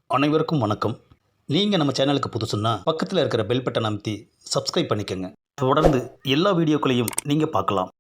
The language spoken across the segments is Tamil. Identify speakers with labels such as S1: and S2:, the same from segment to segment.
S1: அனைவருக்கும் வணக்கம். நீங்கள் நம்ம சேனலுக்கு புதுசுன்னா பக்கத்தில் இருக்கிற பெல் பட்டன் அமைத்தி சப்ஸ்கிரைப் பண்ணிக்கோங்க. தொடர்ந்து எல்லா வீடியோக்களையும் நீங்கள் பார்க்கலாம்.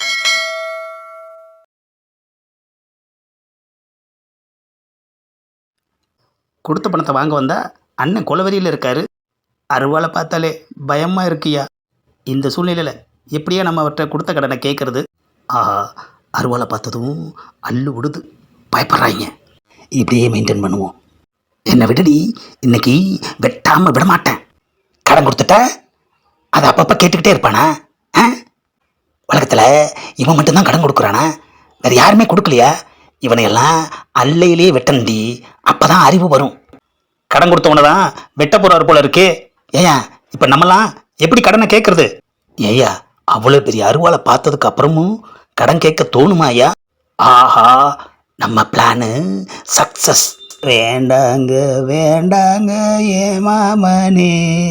S1: கொடுத்த பணத்தை வாங்க வந்தா அண்ணன் கொலவெறியில் இருக்காரு. அருவாளை பார்த்தாலே பயமாக இருக்குயா. இந்த சூழ்நிலையில் எப்படியா நம்ம அவர்கிட்ட கொடுத்த கடனை கேட்குறது? ஆஹா, அருவாளை பார்த்ததும் அள்ளு விடுது, பயப்படுறாங்க. இப்படியே மெயின்டைன் பண்ணுவோம். என்னை விடுடி, இன்னைக்கு வெட்டாமல் விட மாட்டேன். கடன் கொடுத்துட்ட அதை அப்பப்போ கேட்டுக்கிட்டே இருப்பானா? உலகத்தில் இவன் மட்டும்தான் கடன் கொடுக்குறானா? வேறு யாருமே கொடுக்கலையா? இவனையெல்லாம் அல்லையிலேயே வெட்டண்டி, அப்போ தான் அறிவு வரும். கடன் கொடுத்தவனை தான் வெட்ட போகிறாரு போல இருக்கே. ஏயா, இப்போ நம்மலாம் எப்படி கடனை கேட்குறது? ஏயா, அவ்வளோ பெரிய அருவாளை பார்த்ததுக்கு அப்புறமும் கடன் கேட்க தோணுமா ஐயா? ஆஹா, நம்ம பிளானு சக்ஸஸ். வேண்டாங்க வேண்டாங்க ஏ மாமனே,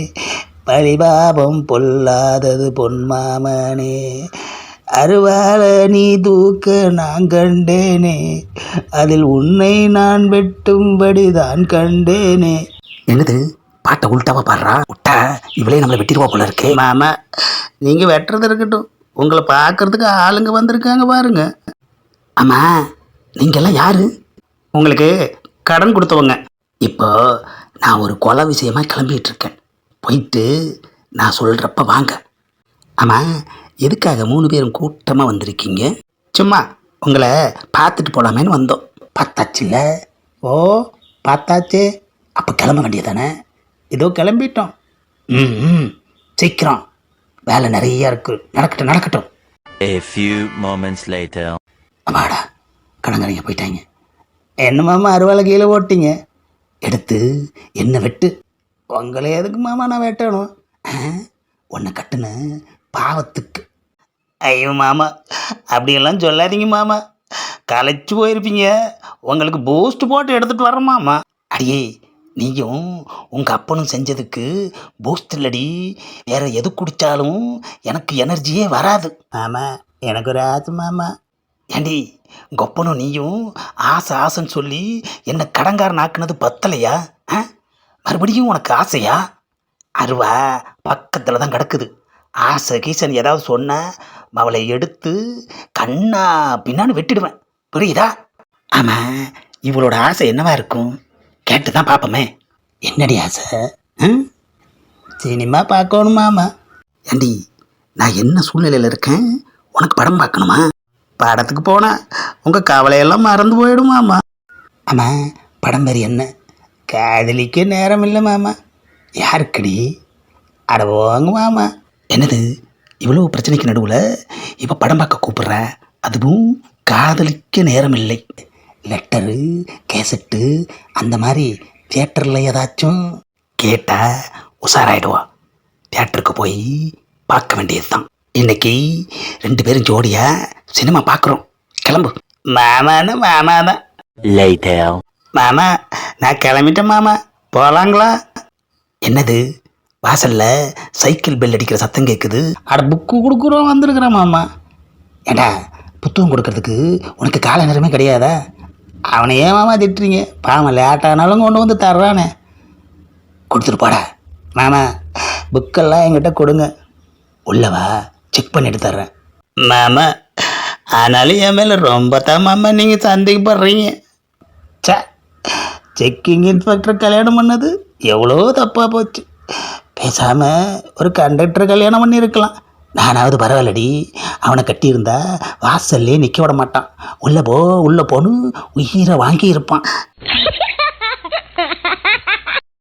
S1: பழிபாபம் பொல்லாதது பொன் மாமனே, அருவாள நீ தூக்க நான் கண்டேனே, அதில் உன்னை நான் வெட்டும்படிதான் கண்டேனே. என்னது, பாட்டை உள்டாவா பாடுறா? விட்டா இவளே நம்மளை வெட்டிடுவா போல இருக்கே. மாமா, நீங்கள் வெட்டுறது இருக்கட்டும், உங்களை பார்க்கறதுக்கு ஆளுங்க வந்திருக்காங்க பாருங்க. ஆமாம், நீங்கள்லாம் யாரு? உங்களுக்கு கடன் கொடுத்தவங்க. இப்போ நான் ஒரு கொலை விஷயமாக கிளம்பிகிட்டு இருக்கேன். போயிட்டு நான் சொல்கிறப்ப வாங்க. ஆமாம், எதுக்காக 3 பேரும் கூட்டமாக வந்திருக்கீங்க? சும்மா உங்களை பார்த்துட்டு போகலாமேன்னு வந்தோம். பார்த்தாச்சுல்ல? ஓ, பார்த்தாச்சு. அப்போ கிளம்ப வேண்டியதானே? ஏதோ கிளம்பிட்டோம். ம், சீக்கிரம், வேலை நிறையா இருக்குது. நடக்கட்டும் நடக்கட்டும்.
S2: A few moments later.
S1: அம்மாடா, கடங்கரைங்க போயிட்டாங்க. என்ன மாமா அருவாளை கீழே போட்டிங்க? எடுத்து என்ன வெட்டு. உங்களை எதுக்கு மாமா நான் வெட்டணும்? உன்னை கட்டுன பாவத்துக்கு. ஐயோ மாமா, அப்படியெல்லாம் சொல்லாதீங்க மாமா, களைச்சு போயிருப்பீங்க. உங்களுக்கு பூஸ்ட் போட்டு எடுத்துகிட்டு வரேன் மாமா. அடியே, நீயும் உங்கள் அப்பனும் செஞ்சதுக்கு பூஸ்ட் இல்லடி, வேறு எது குடித்தாலும் எனக்கு எனர்ஜியே வராது. ஆமாம், எனக்கு ஒரு ஆசை மாமா. ஏண்டி, கொப்பனும் நீயும் ஆசை ஆசைன்னு சொல்லி என்னை கடங்காரன் ஆக்குனது பத்தலையா? மறுபடியும் உனக்கு ஆசையா? அருவா பக்கத்தில் தான் கிடக்குது. ஆசை கீசன் ஏதாவது சொன்ன அவளை எடுத்து கண்ணா பின்னான்னு வெட்டிடுவேன், புரியுதா? ஆமாம், இவளோட ஆசை என்னவா இருக்கும்? கேட்டு தான் பார்ப்போமே. என்னடி ஆசை? சினிமா பார்க்கணுமாமா. ஏண்டி, நான் என்ன சூழ்நிலையில் இருக்கேன்? உனக்கு படம் பார்க்கணுமா? படத்துக்கு போனால் உங்கள் கவலையெல்லாம் மறந்து போயிடுமாம்மா. ஆமாம், படம் பேர் என்ன? காதலிக்க நேரம் இல்லை மாமா. யாருக்கடி? அட போங்க மாமா. என்னது, இவ்வளோ பிரச்சனைக்கு நடுவில் இப்போ படம் பார்க்க கூப்பிட்ற? அதுவும் காதலிக்க நேரம் இல்லை. லெட்டரு, கேசட்டு அந்த மாதிரி தியேட்டரில் ஏதாச்சும் கேட்டால் உஷாராயிடுவா. தியேட்டருக்கு போய் பார்க்க வேண்டியது தான். இன்னைக்கு 2 பேரும் ஜோடியா சினிமா பார்க்குறோம். கிளம்பு. மாமானா மாமா தான்.
S2: Later.
S1: மாமா, நான் கிளம்பிட்டேன் மாமா, போகலாங்களா? என்னது, வாசலில் சைக்கிள் பெல் அடிக்கிற சத்தம் கேட்குது. அட, புக்கு கொடுக்குறோம் வந்துருக்குறேன் மாமா. ஏண்டா, புத்தகம் கொடுக்கறதுக்கு உனக்கு கால நேரமே கிடையாதா? அவனை ஏன் மாமா திட்டுறீங்க? பாவம், லேட்டானாலும் கொண்டு வந்து தர்றானே. கொடுத்துட்டு போடா மாமா. புக்கெல்லாம் என்கிட்ட கொடுங்க. உள்ளவா, செக் பண்ணிட்டு தர்றேன் மாமா. ஆனாலும் என் மேலே ரொம்ப தான் மாமா நீங்கள் சந்தேகப்படுறீங்க. செக்கிங் இன்ஸ்பெக்டர் கல்யாணம் பண்ணது எவ்வளோ தப்பாக போச்சு. பேசாமல் ஒரு கண்டக்டர் கல்யாணம் பண்ணியிருக்கலாம். நானாவது பரவாயில்லடி, அவனை கட்டியிருந்தா வாசல்லே நிற்க விட மாட்டான். உள்ளே போன்னு உயிரை வாங்கி இருப்பான்.